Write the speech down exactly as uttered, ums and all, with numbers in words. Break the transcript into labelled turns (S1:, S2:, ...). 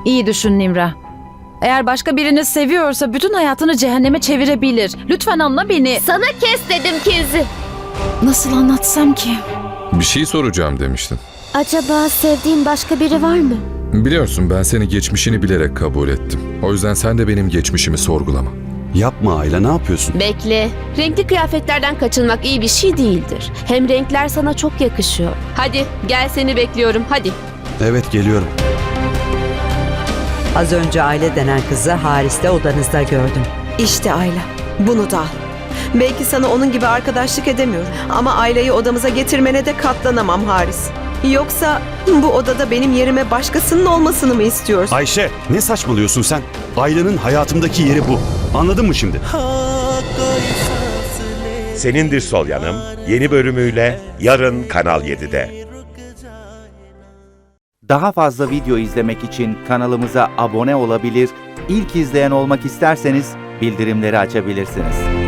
S1: İyi düşün Nimra. Eğer başka birini seviyorsa bütün hayatını cehenneme çevirebilir. Lütfen anla beni.
S2: Sana kes dedim Kinzi.
S1: Nasıl anlatsam ki?
S3: Bir şey soracağım demiştin.
S2: Acaba sevdiğin başka biri var mı?
S3: Biliyorsun ben seni geçmişini bilerek kabul ettim. O yüzden sen de benim geçmişimi sorgulama.
S4: Yapma Ayla, ne yapıyorsun?
S2: Bekle. Renkli kıyafetlerden kaçınmak iyi bir şey değildir. Hem renkler sana çok yakışıyor. Hadi gel, seni bekliyorum, hadi.
S4: Evet, geliyorum.
S5: Az önce Aile denen kızı Haris'te odanızda gördüm.
S6: İşte Ayla, bunu da al. Belki sana onun gibi arkadaşlık edemiyorum ama Ayla'yı odamıza getirmene de katlanamam Haris. Yoksa bu odada benim yerime başkasının olmasını mı istiyorsun?
S4: Ayşe, ne saçmalıyorsun sen? Ayla'nın hayatımdaki yeri bu. Anladın mı şimdi?
S7: Senindir Sol Yanım yeni bölümüyle yarın Kanal yedide.
S8: Daha fazla video izlemek için kanalımıza abone olabilir, ilk izleyen olmak isterseniz bildirimleri açabilirsiniz.